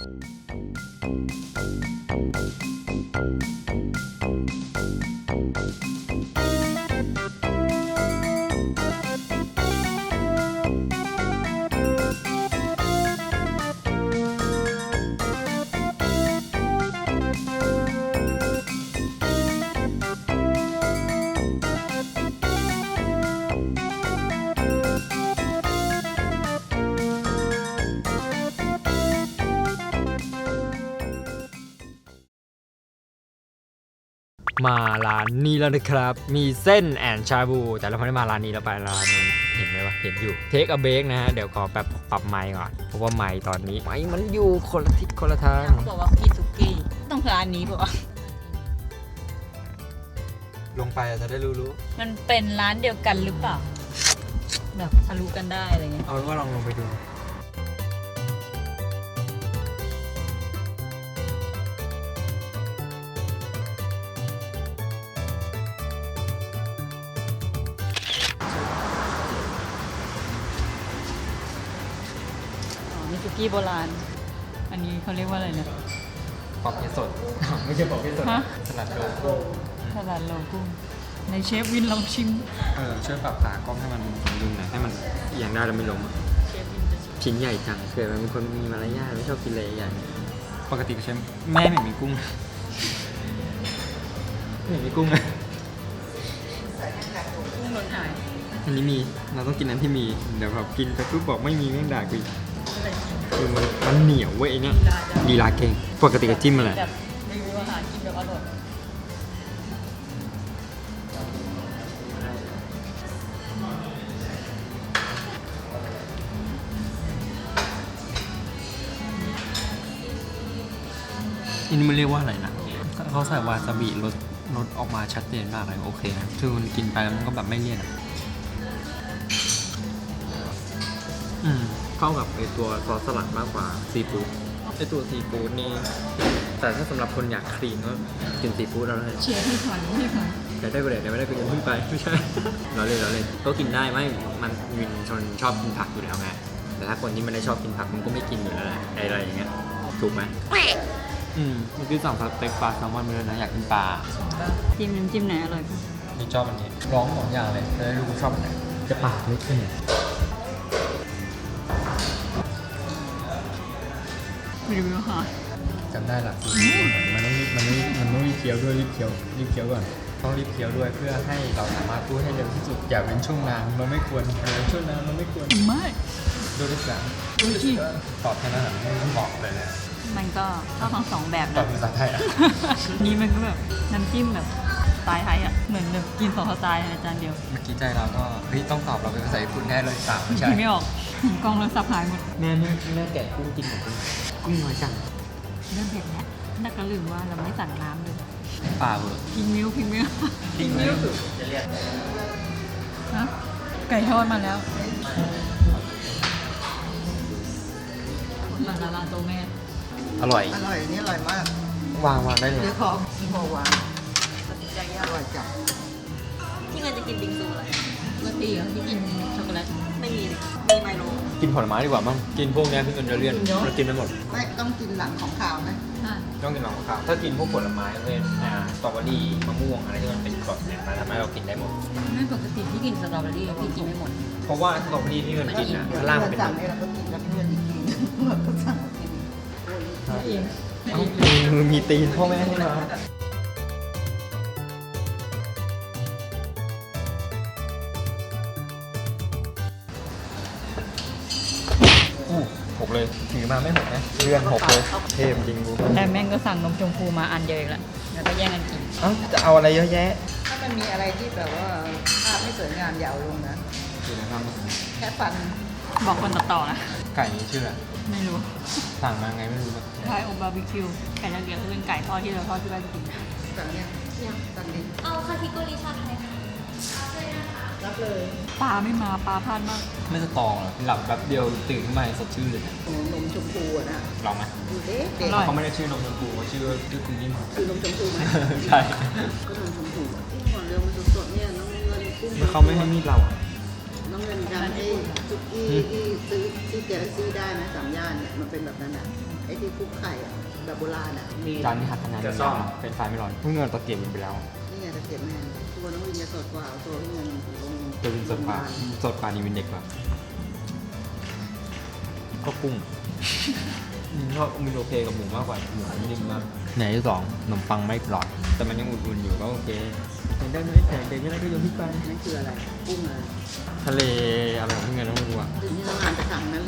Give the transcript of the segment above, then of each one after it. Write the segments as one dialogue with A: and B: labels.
A: มาร้านนี้แล้วนะครับมีเส้นแอนชาบูแต่เราไม่ได้มาร้านนี้เราไปร้านนู้นเห็นไหมวะเห็นอยู่เทคอะเบรกนะฮะเดี๋ยวขอแบบปรับไมค์ก่อนเพราะว่าไมค์ตอนนี้ไมค์มันอยู่คนละทิศคนละทาง
B: เขาบอกว่ากินสุกี้ต้องร้านนี้ป่ะ
A: ลงไปจะได้รู้
B: มันเป็นร้านเดียวกันหรือเปล่าแบบทะลุกันได้อะไรเงี้ย
A: เอาเป็นว่าลองลงไปดู
B: มีสุกี้โบราณอันนี้เขาเรียกว่าอะไรนะ
A: ปอบเพชรสด ไม่ใช่ปอบเพชรสด
B: ฮะ
A: สลัดโลโก้
B: ตลาดโลกุ้งในเชฟวินลองชิม
A: ช่วยปรับขากล้องให้มันสมดุลหน่อยให้มันเอียงได้แล้วไม่ล้มอะ
B: เชฟวินจะชิม
A: ชิ้นใหญ่จังเกิดมันเป็นคนมีมารยาทไม่ชอบกินอะไรใหญ่ปกติใช่แม่ไม่มีกุ้งไม่มีกุ้งเลย
B: กุ้งหล่นหาย
A: อันนี้มีเราต้องกินอันที่มีเดี๋ยวแบบกินไปปุ๊บบอกไม่มีแม่งด่ากูอีกคือมันเหนียวเว้ยไอ้เนี่ยลีลาเก่งปกติก็จิ้มมาแหละ
B: แบบรีวิวอาหารกินแบบอร่อย
A: อันนี้มันเรียกว่าอะไรนะเขาใส่วาซาบิรสออกมาชัดเจนมากเลยโอเคนะคือมันกินไปแล้วมันก็แบบไม่เลี่ยนอะเข้ากับไอตัวซอสสลัดมากกว่าซีฟู้ดไอตัวซีฟู้ดนี่แต่ถ้าสำหรับคนอยากคลีนก็กินซีฟู้ดเอาเลย
B: เชฟให้ผ่อนให้ผ่อน
A: อยากได้ก็ได้ไม่ได้ก็ยังพึ่งไปไม่ใช่ เราเล่นก็กินได้ไม่มันวินชนชอบกินผักอยู่แล้วไงแต่ถ้าคนที่ไม่ได้ชอบกินผักมันก็ไม่กินอยู่แล้วแหละอะไรอย่างเงี้ยถูกไหมเมื่อกี้สั่งสเต็กปลาแซลมอนมาเลยนะอยากกินปลา
B: จิ้มน้ำจิ้มไหนอร่อยคะ
A: นี่ชอบอันนี้ร้อง2อย่างเลยจะได้รู้ชอบอันไหนจะปากเล็กขึ้นเนี่ย
B: รีวิวอาหาร
A: จำได้ละมันต้องรีบเคี้ยวด้วยรีบเคี้ยวก่อนต้องรีบเคี้ยวด้วยเพื่อให้เราสามารถพูดให้เร็วที่สุดอย่าเป็นช่วงนางเราไม่ควรช่วงนางเราไม่ควร
B: ไม่
A: ดูด้วยกัน
B: ดูที่
A: ตอบแค่นั้นไม่ต้องบอกเลยนะ
B: มันก็ชอบทั้งสองแบบ
A: ตอบ
B: นะ
A: ภาษาไทยอ่ะ
B: นี่มันก็แบบน้ำจิ้มแบบสไตล์ไทยอ่ะเหมือนแบบกินสองสไตล์ในจานเดียว
A: เมื่อกี้ใจเราก็เฮ้ยต้องตอบเราเป็นภาษาญี่ปุ่นแน่เลยสามไม่ใช่
B: คิดไม่ออกกล้องแล้วสับหายหมด
A: แม่แกะกุ้งกินหมดเลยกุ้งน้อยจัง
B: เริ่มเผ็ดแล้วนักก็ลืมว่าเราไม่สั่งน้ำเลย
A: ป่าเวอร์
B: พิงมิวพิงมิว
A: จริงไหมจะเรียก
B: ฮะไก่ทอดมาแล้วมาลาลาโตแม่
A: อร่อย
C: อร่อยนี่อร่อยมาก
A: วางได้เลย
C: เนื้อของที่โมวาง
B: ตัดสินใจยา
C: อก ร่อยจัง
B: ที่เงินจะกินบิงซูอะไรปกติเหรอที่กินช็อกโกแลตไม่มีเลย
C: มีไมโล
A: กินผลไม้ดีกว่ามั้งกินพวกนี้พี่เงินจะเลี่ยนเรากินไม่หมด
C: ไม่ต้องกินหลังของขาวนะ
A: ต้องกินหลังข้าวถ้ากินพวกผลไม้เช่นสตรอเบอรี่มะม่วงอะไรที่มันเป็นกรดเนี่ยมันทำให้เรากินได้หมด
B: ไม่ปกติที่กินสตรอเบอรี่พี่กินไม่หมด
A: เพราะว่าสตรอเบอรี่ที่เงินกินอ่ะข้างล่างมันเป็น
C: สั่งนี่เราก็กินแล้วเพื่อนอีกทีเราก็สั่งกิน
B: เอง
A: มือมีตีนพ่อแม่ให้มาหกเลยถือมาไม่หกนะเลื่อนหกเลยเทพจริงกู
B: แต่แม่งก็สั่งนมชมพูมาอันเดียวอีกแล้วแล้วก็แย่งกันกิน
A: เอ้าจะเอาอะไรเยอะแยะ
C: ถ้ามันมีอะไรที่แบบว่าภาพไม่สวยงามอย่าเอาลงนะ
A: คือนะครับ
C: แค่ฟัน
B: บอกคนต่อๆนะ
A: ไก่นี้ชื่ออะไร
B: ไม่รู้
A: สั่งมาไงไม่รู้แบบ
B: ไก่อบบาร์บีคิวไก่ละเอียดก็เป็นไก่ทอดที่เราทอดที่บ้านกิน
C: สั่งเนี่ยสั่งดิ
D: เอาคาทิโกริชาไทยค่ะ
C: รับเลย
B: ปลาไม่มาปลาพลาดมาก
A: ไม่สตรองหรอหลับแป๊บเดียวตื่นขึ้นมาสดชื่นเลย
C: โอ้นมชมพูอะนะ
A: ลองไหม
C: ดูเด็กเด็ก
A: เขาไม่ได้ชื่อนมชมพูเขาชื่อคุณยิ่ง
C: คือนมชมพูไหม
A: ใช่
C: ก็นมชมพูก่อนเร็วมันสดๆเนี่ยน้ำเงินกุ้ง
A: เขาไม่ให้มีดเรา
C: ไน้องเงินจำไอ้ซุกี้ที่ซื้อที่เจลซี่ได้ไหมสามย่านเนี่ยมันเป็นแบบนั้นอ่ะไอ้ที่คลุกไข่อ่ะแบบโบราณอ่ะมี
A: จานนี้หักคะแนนเลยนะเป็นไฟไม่ร้อนเพิ่งเงินตะเกียบไปแล้ว
C: นี่ไงตะเกียบแมนตัวน้องวินจะสดกว่าตัวพี่เงินลง
A: จะเป็นสดกว่านี่วินเด็กกว่าก็กุ้งชอบมินโอเคกับหมูมากกว่าหมูนิ่มมากไหนที่สองขนมปังไม่กรอบแต่มันยังอุ่นๆอยู่ก็โอเคเห็นได้ไหมแข็งเด็กไม่ได้ก็โยนทิ้งไป
C: นั่นคืออะไรกุ้งอะไร
A: ทะเลอะไรของเงินต้องรู้อ่ะ
C: ถึงที่น้องงานจะสั่งนั้นเลย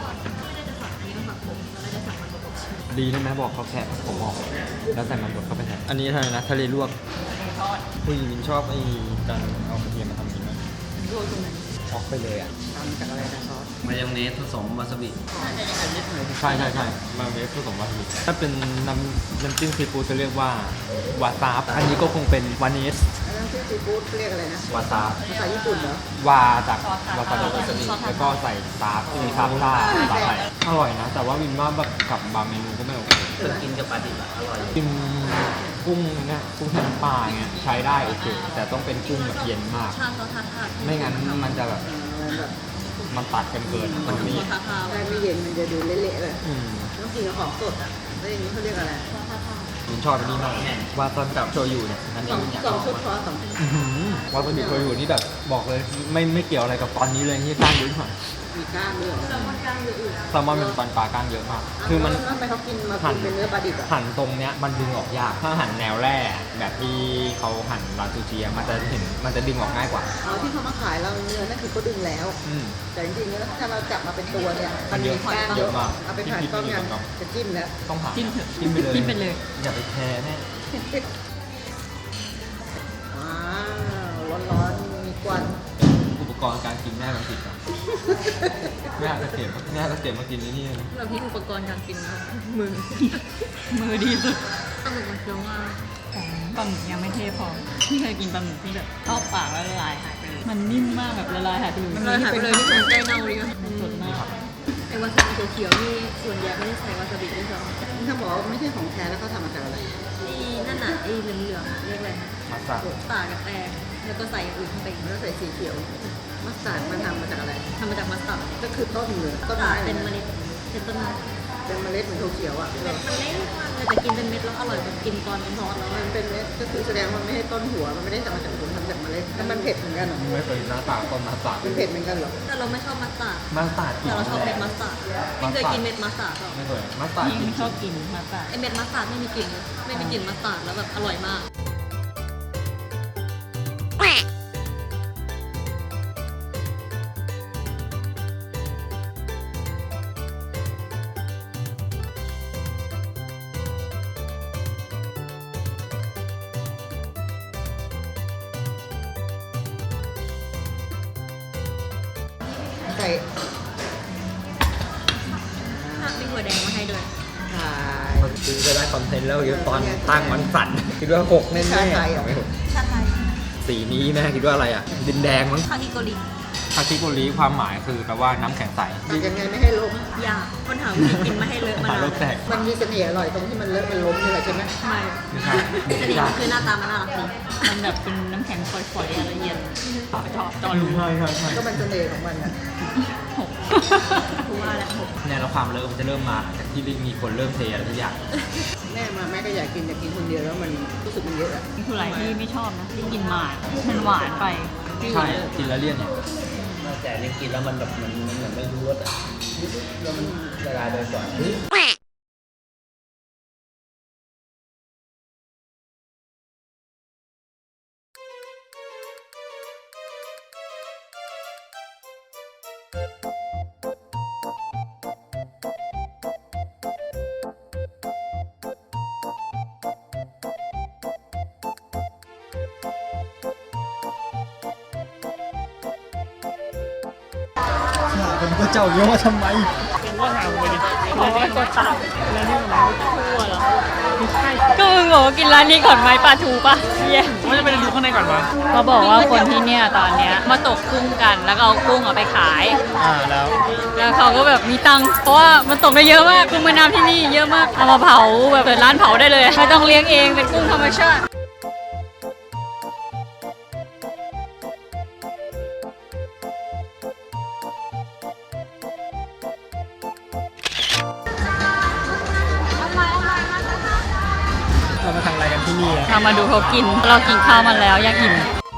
A: ดีนะแม่บอกเขาแค่ผมออกแล้วใส่มันบดเข้าไปแทนอันนี้ทะเลนะทะเลลวกผู้หญิงชอบไอ้การเอากระเทียมมาทำอย่างนี้
B: โรยตรงไหน
A: ออกไปเลยอ่ะ
C: ทำจากอะไรนะซอส
D: มายองเนสผสมวาซาบิ
C: อันนิดหน่อย
A: ใช่มาเวฟผสมวาซาบิถ้าเป็นน้ำจิ้มซีฟู้ดจะเรียกว่าวาซาบอันนี้ก็คงเป็นวานิส
C: อันนั้นที่ซีฟู้ดเรียกอะไรนะ
A: วาซาบ
C: ภาษาญี่ปุ่นเหรอ
A: วาจากวาซาบิแล้วก็ใส่ซาบมีซาบซ่าซาบอะไรอร่อยนะ แต่ว่าวินว่าแบบกับบางเมนูก็ไม่โอเค
D: เคยกินกับปลาดิบอะอร่อย
A: กินกุ้งเนี่ยกุ้งแห้งปลาเงี้ยใช้ได้โอเคแต่ต้องเป็นกุ้งแบบเย็นมาก
B: ชาซอสทาทา
A: ไม่งั้นมันจะแบบ
C: แบบ
A: มันตัดกันเกินมันไม่
B: ทาทา
C: ได้ไม่เย็นมันจะดูเละๆเลย
A: อืม
C: ต้องกินกับของสดอ่ะแล้วอย่างนี้เขาเรียกอะไร
A: วินชอบอันนี้มากวาซาบิกับโชยุเนี่ยอันนี้วินอยาก
C: ส
A: ล
C: อ
A: อง ง
C: ชุด
A: มาก
C: ซอสสองชุด
A: วาซาบิโชยุนี่แบบบอกเลยไม่เกี่ยวอะไรกับตอนนี้เลยที่กล้างเยอะหน่อย
C: มีกล้างด้วยเหรอ
A: แซลมอนเป็นปลากล้างเยอะมาก คือมัน
C: ทำไมเขากินมากินเป็นเนื้อปลาดิบอ่ะ
A: หั่นตรงเนี้ยมันดึงออกยาก ถ้าหั่นแนวแร่แบบที่เขาหั่นร้านซูชิอะมันจะดึงออกง่ายกว่า
C: อ๋อที่เขามาขายเราเนื้อนั่นคือเขาดึงแล้ว
A: อืม
C: แต่จริงๆแล้วถ้าเราจับมาเป็นตัวเนี่ย
A: มันเยอะ
C: กล้าง
A: เยอะมาก
C: เอาไปผ่านกล้องยังจะจิ้มแล้ว
A: ต้องผ่าน
B: จิ้มเถอะ
A: จิ้มไปเลย
B: จิ้มไปเลย
A: อย่าไปแคร์แน่
C: ว้าวร้อนๆมีควัน
A: อุปกรณ์การกินแม่บางทีอะแม่อาจจะเก็บมากินนี่นะ
B: แบบที่อุปกรณ์การกินนะมือ มือดีสุดปลาหมึกมันเคี้ยวง่ายปลาหมึกยังไม่เทพอที่เคยกินปลาหมึกที่แบบเข้าปากแล้วละลายหายไปเลยมันนิ่มมากแบบละลายหายไปเลยละลายหายไปเลยที่เป็นใกล้เน่าเลยมันสดมาก
E: ไอ้วาซาบิเขียวๆนี่ส่วนใหญ่ไม่ได้ใส่วาซาบิด้วยซ้ำ
C: ถ้าบอกว่าไม่ใช่ของแท้แล้วเขาทำมาจากอะไร
E: นี่นั่นน่ะไอ้เหลืองๆเรียกอะไรนะ
A: มาสา
E: ป่ากับแตงแล้วก็ใส่อย่างอื่นเข้าไป
C: แล้วใส่สีเขียวมัสตาร์ดมันทำมาจากอะไร
E: ทำมาจากมัสตาร์ด
C: ก็คือต้นเลยต้น
E: ป่า
C: ไม้
E: เป็นเม
C: ลย
E: ล็ดเป็นต้นไม้
C: เป็นเมล็ดเหมือนถั่วเขียวอ่ะ
E: มันเล็กมากเลยแต่กินเป็นเม็ดแล้วอร่อยกว่ากินตอนเป็นทอดแล้ว
C: มันเป็นเม็ดก็คือแสดงว่ามันไม่ใช่ต้นหัวมันไม่ได้ทำมาจากผลทำจากเมล็ดแล้วมันเผ็ดเหมือนกันเหรอ
A: ไม่เคยหน้าตาต้นมาสา
C: มันเผ็ดเหมือนกันเหรอ
E: แต่เราไม่ชอบมัสตาร์ด
A: มาสากิน
E: แต่เราชอบเม็ดมัสตาร์ดไม่เคยกินเม็ดมัสตาร์ดหรอก
A: ไม่เคยมาสา
B: ยิ่
A: กิน
B: งชอบกินมาตา
E: ไอเม็ดมัสตาร์ดไม่มีกลิ่นเลยไม่มีกลิ่นมัสตาร์ดแล้วแบบอร่อยมาก
C: ใส่
E: มีถั่วแดงมาให้ด้วย
C: ขาย
A: คือจะได้คอนเทนต์แล้วเดี๋ยวตอนตั้งมันสั่นคิดว่าหกแน่ๆ
C: ชาไทยเหรอ
A: ไม่หก
E: ชาไทย
A: สีนี้แม่คิดว่าอะไรอ่ะ ดินแดงมั้ง
E: คาฮิโกริ
A: คาคิโกริความหมายคือแปลว่าน้ำแข็งใส
C: ทำยังไงไม่ให้ล้ม
E: อยากคนหาวิธีกินไม่ให้เลอะมานาน
A: โลกแตก
C: มันมีเสน่ห์อร่อยตรงที่มันเลอะมันล้มนี่แหละใช่ไหม
E: ไม่
A: ไม่ใช่
E: เสน่ห์มันคือหน้าตามันน่ารักดี
B: มันแบบเป็นน้ำแข็งฝอยๆอะไรเย็นชอบตอนรู้
A: ใช่ใช่ใช่
C: ก็มันเสน่ห์ของมันอ่ะ
B: หก
E: กูว่าแล้วหก
A: เนี่ยแล้วความเลอะมันจะเริ่มมาจากที่มีคนเริ่มเทอะไรทุกอย่าง
C: แม่มาแม่ก็อยากกินคนเดียวแล้วมันรู้สึกมันเยอะอะ
B: นี่คืออะไรที่ไม่ชอบนะที่กินหมามันหวานไป
A: ใช่กินแล้วเลี่ยนเนี่ย
D: แต่เนี่ยกินแล้วมันแบบมันเหมือนไม่รู้รสอ่ะแล้วมันละลายไปก่อน
A: คนก็เจ้าเยอะว่าทำไม
B: ก็มึงบอกว่ากินร้านนี้ก่อนไหมปลาทูปะเย้ว่าจะไปดูข้างในก่อนวะเขาบอกว่าคนที่เนี่ยตอนเนี้ยมาตกกุ้งกันแล้วก็เอากุ้งเอาไปขาย แล้วเขาก็แบบมีตังค์เพราะว่ามันตกได้เยอะมากกุ้งแม่น้ำที่นี่เยอะมากเอามาเผาแบบเปิดร้านเผาได้เลยไม่ต้องเลี้ยงเองเป็นกุ้งธรรมชาติ
F: ที่นี่
B: เรามาดูเขากิน เรากินข้าวมาแล้วยังอิ่ม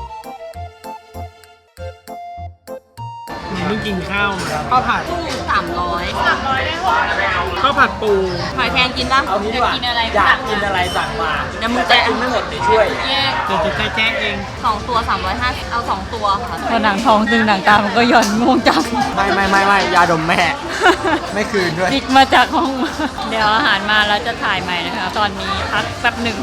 F: เพิ่งกินข้าวมาข้าวผัด
B: 300
F: ข้าวผัดปู
B: หอยแครงกินป่ะอยากกินอะไร
A: อยากกินอะไรสั่งมา
B: เดี๋ยวมึงจะ
A: กินไม่หมดเดี๋ยวช่วย
B: แยก
F: เดี๋ยวจะใจแจ้งเอง
B: 2 ตัว 350เอา 2 ตัวค่ะพอหนังทองตึงหนังตามันก็หย่อนง่วงจัง
A: ไม่ยาดมแม่ ไม่คืนด้วย
B: จิกมาจากห้อง เดี๋ยวอาหารมาแล้วจะถ่ายใหม่นะคะ ตอนนี้พักแป๊บหนึ่ง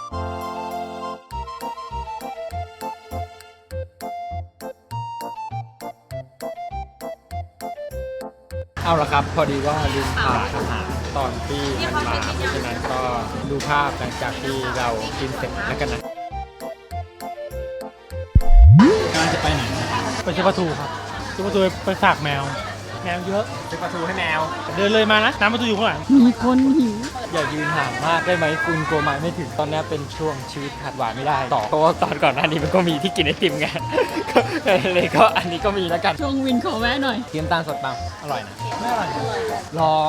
A: เอาละครับ พอดีว่าลืมถ่ายอาหารตอนที่มันมาเพราะฉะนั้นก็ดูภาพหลังจากที่เรากินเสร็จแล้วกันนะกำลังจะไปไหน
F: ไปซื้อปลาทูครับซื้อปลาทูไปฝากแมวเยอะ
A: ซื้อปลาทูให้แมว
F: เดินเลยมานะน้ำปลาทูอยู่ข้างหลัง
B: มีคนหิว
A: อย่ายืนห่างมากได้ไหมคุณกลัวไม้ไม่ถึงตอนนี้เป็นช่วงชีวิตขาดหวานไม่ได้ต่อเพราะว่าตอนก่อนหน้านี้มันก็มีที่กินไอติมไง ก็เลยก็อันนี้ก็มีแล้วกัน
B: ช่วงวินขอแวะหน่อย
A: เทียมตาลสดปังอร่อยนะ
F: ไม่อร่อย
A: ลอง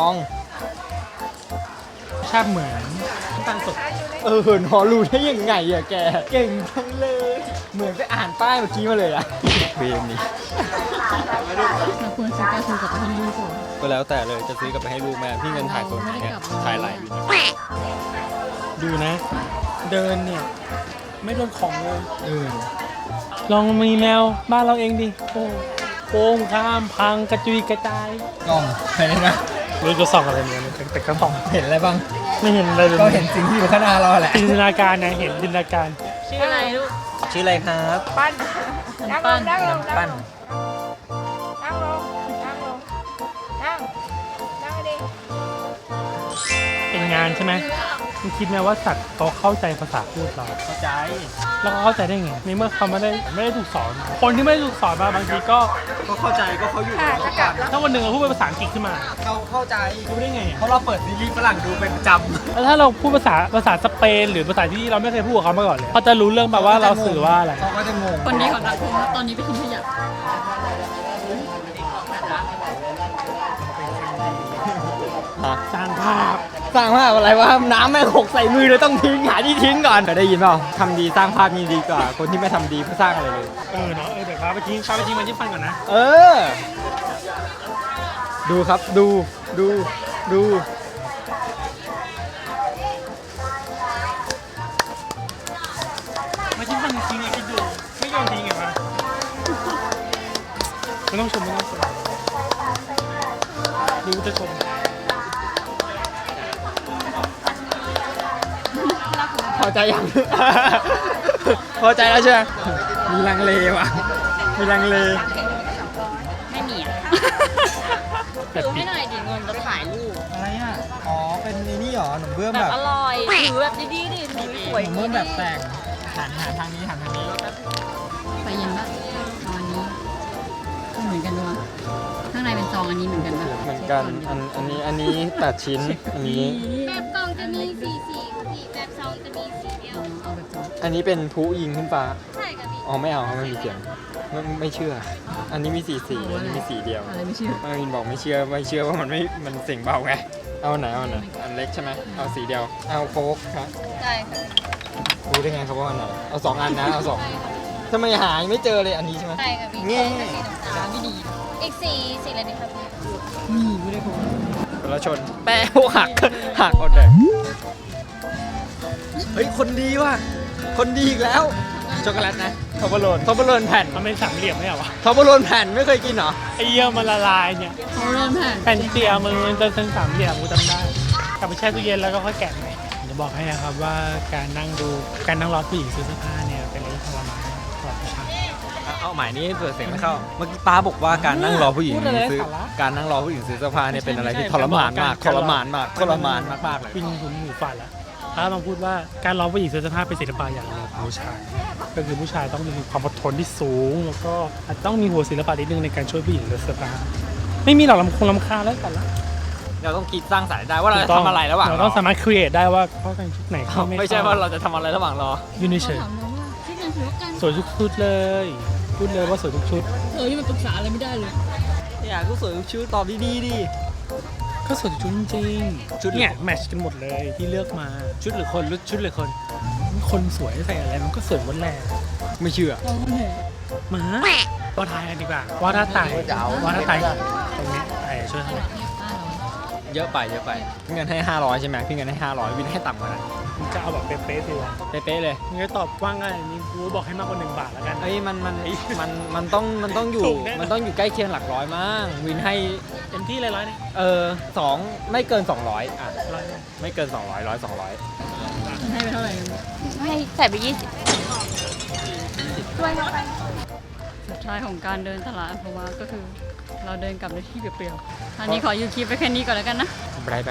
F: ชาติเหมือนตั้งสด
A: นอรู้ได้ยังไงอะแกเก่งจังเลยเหมือนไปอ่านป้ายเมื่อกี้มาเลยอะเวรนี้
B: เราควรซื้อปลาทูกับปลาทูลูกก่อน
A: ก็แล้วแต่เลยจะซื้อกลับไปให้ลูกแม่พี่เงินถ่ายตัวไหนเนี่ยถ่ายไหลอยู่เนี่ย
F: ดูนะ เดินเนี่ยไม่โดนของเลย
A: เออ
F: ลองมีแมวบ้านเราเองดิโอ้โค้งข้ามพังกระจุยกระจาย
A: กล้องไปเลยนะ
F: ไม่รู้จะส่องอะไรเนี่ยแต่ก็ส่อง
A: เห็นอะไรบ้าง
F: ไม่เห็นอะไรเลย
A: ก็เห็นสิ่งที่อยู่ข้างหน้าเราแหละ
F: จินตนาการนะเห็นจินตนาการ
B: ชื่ออะไรลูก
A: ชื่ออะไรครับ
B: ปั้น
A: น้ำปั้น
G: นั่งลงนั่งลงนั่งดิ
F: เป็นงานใช่ไหมคุณคิดไหมว่าสัตว์เขาเข้าใจภาษาพูดเรา
A: เข้าใจ
F: แล้วเขาเข้าใจได้ไงในเมื่อเขาไม่ได้ถูกสอน คนที่ไม่ได้ถูกสอนมาบางทีก็
A: เข้าใจก็เขาอยู่กับเราก่อน
F: ถ้าวันหนึ่งเราพูดเป็นภาษาอังกฤษขึ้นมา
A: เขาเข้าใจ
F: รู้ได้ไงอะ
A: เพราะเราเปิดซีรีส์ฝรั่งดูเป็นประจำ
F: แล้วถ้าเราพูดภาษาสเปนหรือภาษาที่เราไม่เคยพูดกับเขามาก่อนเลยเขาจะรู้เรื่องแบบว่าเราสื่อว่าอะไร
A: เขาก็จะงง
B: คนดีของสังคมตอนนี้ไปทิ้งขยะ
F: สร้างภาพ
A: สร้างภาพอะไรวะน้ำแม่งหกใส่มือเลยต้องทิ้งหาที่ทิ้งก่อนเคยได้ยินเปล่าทำดีสร้างภาพนี่ดีกว่า คนที่ไม่ทำดีไม่สร้างอะไรเลย
F: เนาะเดี๋ยวพาไปทิ้งมันที่ฟันก่อนนะ
A: เออ ดูครับดูดู
F: มาทิ้งฟันจริงๆไงคิดดูไม่โยนทิ้งไงวะไม่ต้องชมดูจะชม
A: พอใจยัง พอใจแล้วใช่ไหมมีลังเลว่ะมีลังเล
B: ไม่มีอ่ะถือให้หน่อยดิเงินจะถ่ายรูป
A: อะไรอ่ะอ๋อเป็นนี่หรอหนุ่มเบื้อง
B: แบ
A: แบบ บ
B: อร่อยถือแบบดีๆดิถือสวย
A: หนุ่มเบื้องแบบแต่งหันทางนี้
B: ไปเย็นปะเอาอันนี้ก็เหมือนกันด้วยข้างในเป็นซองอันนี้เหมือนกันปะ
A: เหมือนกันอันนี้8ชิ้นอันนี้
G: แบบกล่องจะมีสีแบบซองจะมีสีเดียว
B: เอาแบบซอง
A: อันนี้เป็นผู้ยิงขึ้นฟ้า
G: ใช่กับพี่
A: อ๋อไม่เอาไม่มีเสียงไม่เชื่อ อันนี้มีสีอันนี้มีสีเดียว
B: อะไรไม่เชื่อ
A: มินบอกไม่เชื่อว่ามันเสียงเบาไงเอาอันไหนอันเล็กใช่ไหมเอาสีเดียวเอาโฟกครับ
G: ใช่ค่ะ
A: รู้ได้ไงครับว่าอันไหนเอา2 อันนะเอา2ทำไมหาไม่เจอเลยอันนี้ใช่ไหม
G: ใช่กับพี่
A: แง่
B: ร้านไม่ดี
G: อีกสีอะไรดีครับพี่
B: นี่ไม่ได้ผม
A: คนละชนแปะหักเอาแต่เฮ้ยคนดีว่ะคนดีอีกแล้วช็อกโกแลตนะทอปเปอร์โลนแผ่น
F: มันเป็นสามเหลี่ยมไม่เหรอวะ
A: ทอปเปอร์โลนแผ่นไม่เคยกินเหรอ
F: ไอ้เยี่ยมันละลายเนี่ย
B: เขาเริ่มแผ่น
F: แผ่นเตียมันจะเป็นสามเหลี่ยมกูจำได้กลับไปแช่ตู้เย็นแล้วก็ค่อยแกะใหม่จะบอกให้นะครับว่าการนั่งรอผู้หญิงซื้อเสื้อผ้าเนี่ยเป็นเรื่องทรมานสำหรับผู้ชาย
A: เอาหมายนี้เปิดเสียงไม่เข้าเมื่อกี้ป้าบอกว่าการนั่งรอผู้หญิง
F: พูดอะไร
A: ซื้อ
F: สาระ
A: การนั่งรอผู้หญิงซื้อเสื้อผ้าเนี่ยเป็นอะไรที่ทรมานมากทรมานมากเลย
F: ปิงหุนหูฝันแล้วถ้ามาพูดว่าการรอผู้หญิงซื้อเสื้อผ้าเป็นศิลปะอย่างหนึ่งของผู้ชาย ก็คือผู้ชายต้องมีความอดทนที่สูง แล้วก็อาจต้องมีหัวศิลปะนิดนึงในการช่วยผู้หญิงเลือกเสื้อผ้าไม่มีหรอกลำคาญแล้วกันละ
A: เราต้องคิดสร้างสรรค์ได้ว่าเราจะทำอะไรระหว่าง
F: เราต้องสามารถครีเอทได้ว่าเขาแต่งชุดไหนเข้า
A: ไม่ใช่ว่าเราจะทำอะไรระหว่างรอ
F: ยืนเฉย
B: ถามน้องว่าที่งานถือว่ากัน
F: ๆสวยทุกชุดเลยพูดเลยว่าสวยทุกชุด
B: เธอนี่มันปรึกษาอะไรไม่ได้เลย
A: อยากก็สวยทุกชุดตอบดีๆดิ
F: ก็สวยทุกชุดจริงๆ
A: ชุด
F: เนี่ยแมทช์กันหมดเลยที่เลือกมา
A: ชุดหรือคนชุดหรือคน
F: คนสวยใส่อะไรมันก็สวยหมดแหละ
A: ไม่เชื่อ
F: มาว่าทายกันดีกว่าว่าถ้าตายว่าถ้าตายตรงนี้ช่วยเท่าไหร่
A: เยอะไปพี่เงินให้ 500ใช่ไหมพี่เงินให้500วินให้ต่ำกว่านั้น
F: มึงจะเอาแบบเป๊ะๆสิวะ
A: เป๊ะๆเลย
F: มึงจะตอบว่างอะไรนี่กูบอกให้มากกว่า1 บาทแล้วกัน
A: เอ้ยมันต้องอยู่
F: ถูกแน่นอน
A: มันต้องอยู่ใกล้เคียงหลักร้อยมั้งวินให้
F: เต็มที่เลยร้อยนี่
A: 2ไม่เกิน200อ่ะ
F: ร้อยนี่
A: ไม่เกิน200 100 200
E: ให้ไปเท่าไหร่
B: ให้ใส่ไป20ด้วยเข้าไปสุดท้ายของการเดินตลาดเพราะว่าก็คือเราเดินกลับในที่เปลี่ยวๆอันนี้ขออยู่คลิปไปแค่นี้ก่อนแล้วกันนะ
A: ไปไป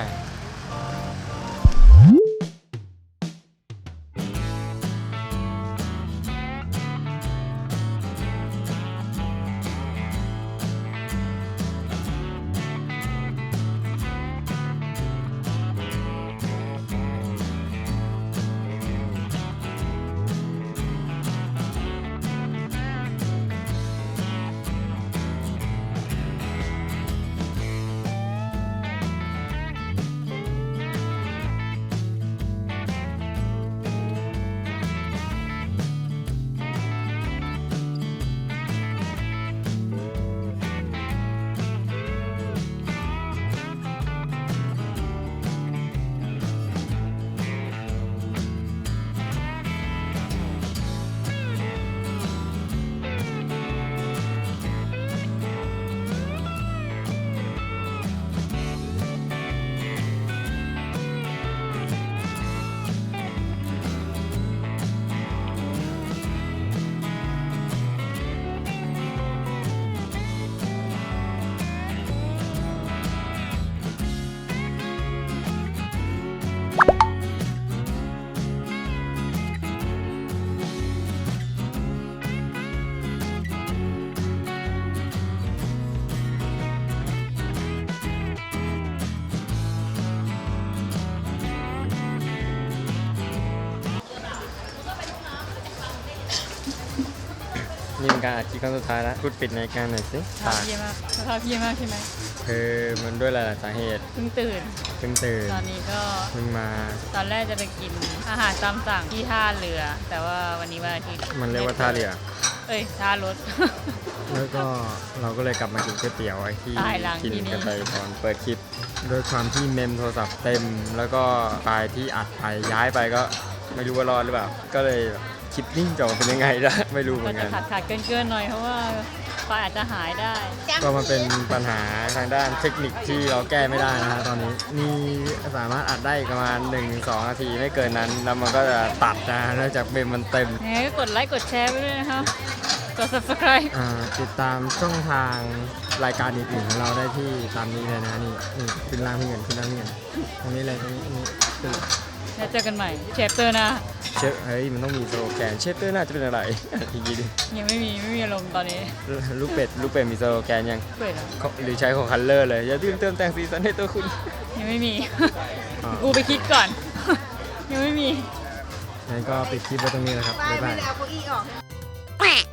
A: นี่เป็นการอัดคลิปครั้งสุดท้ายแล้วพูดปิดในการหน่อยสิ
B: สภาพเยี่ยมมากสภาพเยี่ยมมากใช่ไหม
A: คือมันด้วยหลายๆสาเหตุ
B: เพิ่งตื่น
A: เพิ่งตื่น
B: ตอนนี้ก็
A: เพิ่งมา
B: ตอนแรกจะไปกินอาหารตามสั่งที่ท่าเรือ แต่ว่าวันนี้วันอาทิตย์
A: มันเรียกว่าท่าเรือ
B: เอ้ยท่ารถ
A: แล้วก็เราก็เลยกลับมากินก๋วยเตี๋ยวไอ้ที่
B: ตายหลัง
A: กิน
B: ที่นี่
A: กันไปตอนเปิดคลิปด้วยความที่เมมโทรศัพท์เต็ม แล้วก็ไฟล์ที่อัดไปย้ายไปก็ไม่รู้ว่ารอดหรือเปล่า ก็เลยคลิปนิ่งจะออกมาเป็นยังไงนะ ไม่รู้เหมื
B: ก็
A: อน
B: จะ
A: กัน
B: ขาดเกินๆหน่อยเพราะว่าไฟอาจจะหายได้
A: ก็มันเป็นปัญหาทางด้านเทคนิคที่เราแก้ไม่ได้นะฮะตอนนี้นี่สามารถอัดได้อีกประมาณ 1-2 นาทีไม่เกินนั้น แล้วมันก็จะตัดนะเนื่องจากเมมมันเต็ม
B: ยังไงก็กดไลค์กดแชร์ไปด้วยนะคะกด subscribe
A: ติดตามช่องทางรายการอื่นๆของเราได้ที่ตามนี้เลยนะนี่ขึ้นล่างพี่เงินขึ้นล่างพี่เงินตรงนี้เลยตรงนี้ตึ้ง
B: แล้วเจอกันใหม่เชฟเตอร์นะ
A: เชฟเฮ้ยมันต้องมีสโลแกนเชฟเตอร์น่าจะเป็นอะไร อีกทีดิ
B: ยังไม่มีอารมณ์ตอนนี้
A: ลูกเป็ดมีสโลแกนยัง
B: เปิดแล้ว
A: หรือใช้ของคัลเลอร์เลยอย่าลืมเติมแต่งสีสันให้ตัวคุณ
B: ยังไม่มี
A: อ่า
B: กูไปคิดก่อน ยังไม่มี
A: งั้นก็ปิดคลิปไว้ตรงนี้นะครับบ๊ายบาย
C: ไม่ได้เอาเก้าอี้ออก